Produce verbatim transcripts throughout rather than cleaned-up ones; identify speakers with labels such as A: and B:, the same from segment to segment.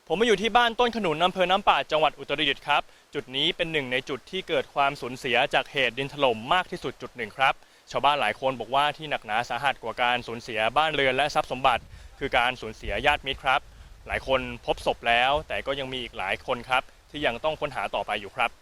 A: ผมมาอยู่ที่บ้านต้นขนุนอำเภอน้ำปาดจังหวัดอุตรดิตถ์ครับจุดนี้เป็นหนึ่งในจุดที่เกิดความสูญเสียจากเหตุดินถล่มมากที่สุดจุดหนึ่งครับชาวบ้านหลายคนบอกว่าที่หนักหนาสาหัสกว่าการสูญเสียบ้านเรือนและทรัพย์สมบัติคือการสูญเสียญาติมิตรครับหลายคนพบศพแล้วแต่ก็ยังมีอีกหลายคนครับที่ยังต้องค้นหาต่อไปอยู่ครับ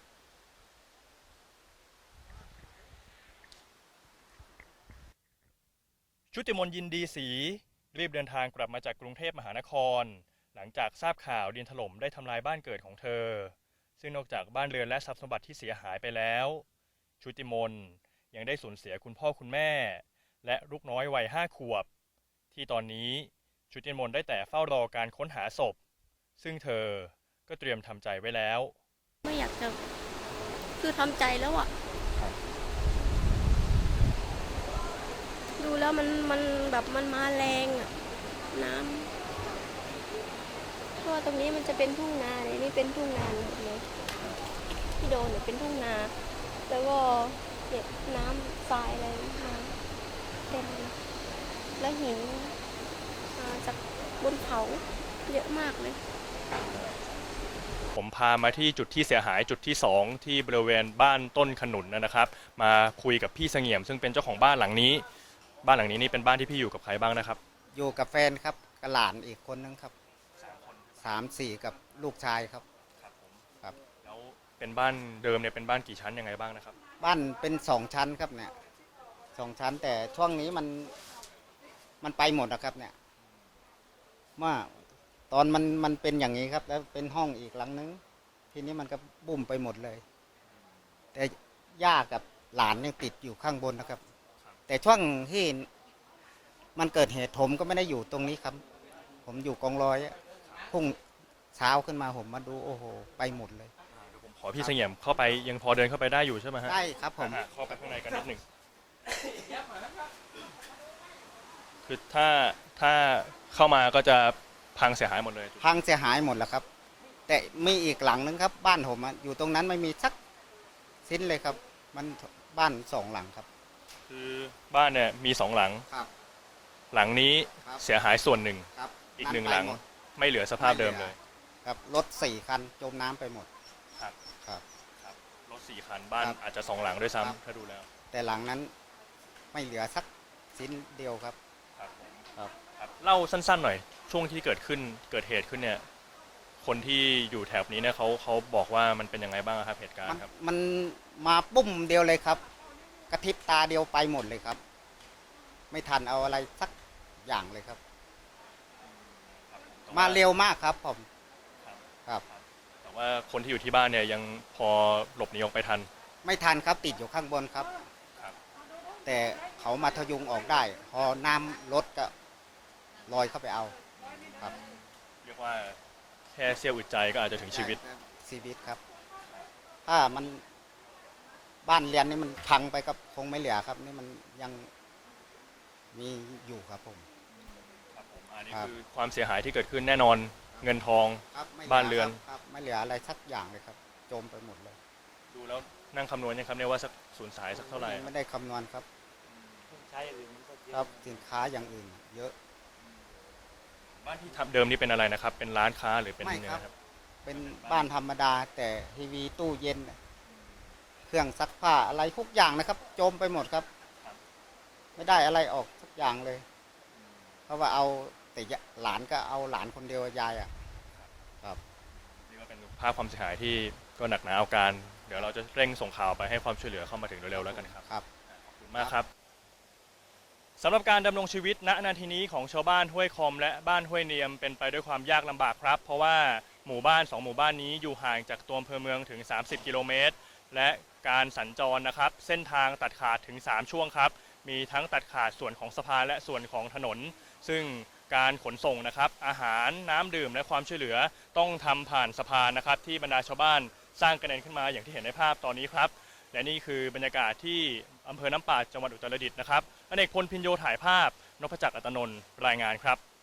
A: ชุติมนต์ยินดีศรีรีบเดินทางกลับมาจากกรุงเทพมหานครหลังจากทราบข่าวดินถล่มได้ทำลายบ้านเกิดของเธอซึ่งนอกจากบ้านเรือนและทรัพย์สมบัติที่เสียหายไปแล้วชุติมนต์ยังได้สูญเสียคุณพ่อคุณแม่และลูกน้อยวัยห้าขวบที่ตอนนี้ชุติมนต์ได้แต่เฝ้ารอการค้นหาศพซึ่งเธอก็เตรียมทำใจไว้แล้ว
B: ไม่อยากจะคือทำใจแล้วอะดูแล้วมันมันแบบมันมาแรงอะน้ำเพราะว่าตรงนี้มันจะเป็นทุ่งนาเนี่ยนี่เป็นทุ่งนาหมดเลยที่โดนเนี่ยเป็นทุ่งนาแล้วก็เก็บน้ำทรายอะไรมาเต็มแล้วหินมาจากบนเขาเยอะมากเลย
A: ผมพามาที่จุดที่เสียหายจุดที่สองที่บริเวณบ้านต้นขนุนนะครับมาคุยกับพี่เสงี่ยมซึ่งเป็นเจ้าของบ้านหลังนี้บ้านหลังนี้นี่เป็นบ้านที่พี่อยู่กับใครบ้างนะครับ
C: อยู่กับแฟนครับกับหลานอีกคนนึงครับสามคนสามสี่กับลูกชายครับ
A: ครับผมครับแล้วเป็นบ้านเดิมเนี่ยเป็นบ้านกี่ชั้นยังไงบ้างนะครับ
C: บ้านเป็นสองชั้นครับเนี่ยสองชั้นแต่ช่วงนี้มันมันไปหมดนะครับเนี่ยเมื่อตอนมันมันเป็นอย่างนี้ครับแล้วเป็นห้องอีกหลังนึงทีนี้มันก็บุ่มไปหมดเลยแต่ย่ากับหลานยังติดอยู่ข้างบนนะครับแต่ช่วงที่มันเกิดเหตุผมก็ไม่ได้อยู่ตรงนี้ครับผมอยู่กองร้อยพุ่งเช้าขึ้นมาผมมาดูโอ้โหไปหมดเลย
A: ผมขอพี่เสงี่ยมเข้าไปยังพอเดินเข้าไปได้อยู่ใช่ไหมฮะ
C: ได้ครับผม
A: เข้าไปข้างในกันนิดหนึ่งคือถ้าถ้าเข้ามาก็จะพังเสียหายหมดเลย
C: พังเสียหายหมดแล้วครับแต่มีอีกหลังนึงครับบ้านผมอยู่ตรงนั้นไม่มีสักชิ้นเลยครับมันบ้านสองหลังครับ
A: คือบ้านเนี่ยมีสองหลังหลังนี้เสียหายส่วนหนึ่งอีกหนึ่งหลังไม่เหลือสภาพเดิมเลย
C: ครับรถสี่คันจมน้ำไปหมด
A: ครับครับครับรถสี่คันบ้านอาจจะสองหลังด้วยซ้ำถ้าดูแล้ว
C: แต่หลังนั้นไม่เหลือสักชิ้นเดียวครับ
A: ครับครับเล่าสั้นๆหน่อยช่วงที่เกิดขึ้นเกิดเหตุขึ้นเนี่ยคนที่อยู่แถบนี้เนี่ยเขาเขาบอกว่ามันเป็นยังไงบ้างครับเหตุการณ์ครับ
C: มันมาปุ้มเดียวเลยครับกระพริบตาเดียวไปหมดเลยครับไม่ทันเอาอะไรสักอย่างเลยครับมาเร็วมากครับผมครับ
A: แต่ว่าคนที่อยู่ที่บ้านเนี่ยยังพอหลบหนีออกไปทัน
C: ไม่ทันครับติดอยู่ข้างบนครับแต่เขามาทะยุงออกได้พอน้ำลดก็ลอยเข้าไปเอาครับ
A: เรียกว่าแค่เสี้ยวอึดใจก็อาจจะถึงชีวิต
C: ชีวิตครับถ้ามันบ้านเรียนนี่มันพังไปก็คงไม่เหลือครับนี่มันยังมีอยู่ครับผม
A: ครับผมอันนี้คือความเสียหายที่เกิดขึ้นแน่นอนเงินทองบ้านเรือน
C: ครับไม่เหลืออะไรสักอย่างเลยครับจมไปหมดเลย
A: ดูแล้วนั่งคำนวณยังครับเนี่ยว่าสักสูญสายสักเท่าไหร่
C: ไม่ได้คำนวณครับ
D: ใช้อย่างอื่น
C: ครับสินค้าอย่างอื่นเยอะ
A: บ้านที่ทำเดิมนี่เป็นอะไรนะครับเป็นร้านค้าหรือเป็น
C: ไม่ครับเป็นบ้านธรรมดาแต่ทีวีตู้เย็นเครื่องซักผ้าอะไรทุกอย่างนะครับจมไปหมดครับไม่ได้อะไรออกสักอย่างเลยเพราะว่าเอาแต่หลานก็เอาหลานคนเดียวยายอ่ะครับ
A: นี่ก็เป็นภาพความเสียหายที่ก็หนักหนาเอาการเดี๋ยวเราจะเร่งส่งข่าวไปให้ความช่วยเหลือเข้ามาถึงเร็วๆแล้วกันครับ
C: ครับ
A: ขอบคุณมากครับสำหรับการดำรงชีวิตณนาทีนี้ของชาวบ้านห้วยคอมและบ้านห้วยเนียมเป็นไปด้วยความยากลำบากครับเพราะว่าหมู่บ้านสองหมู่บ้านนี้อยู่ห่างจากตัวอำเภอเมืองถึงสามสิบกิโลเมตรและการสัญจรนะครับเส้นทางตัดขาดถึงสามช่วงครับมีทั้งตัดขาดส่วนของสะพานและส่วนของถนนซึ่งการขนส่งนะครับอาหารน้ำดื่มและความช่วยเหลือต้องทำผ่านสะพานนะครับที่บรรดาชาวบ้านสร้างกระเด็นขึ้นมาอย่างที่เห็นในภาพตอนนี้ครับและนี่คือบรรยากาศที่อำเภอน้ำปาดจังหวัดอุตรดิตถ์นะครับอเนกพลพินโยถ่ายภาพนพจักรอัตนนท์รายงานครับ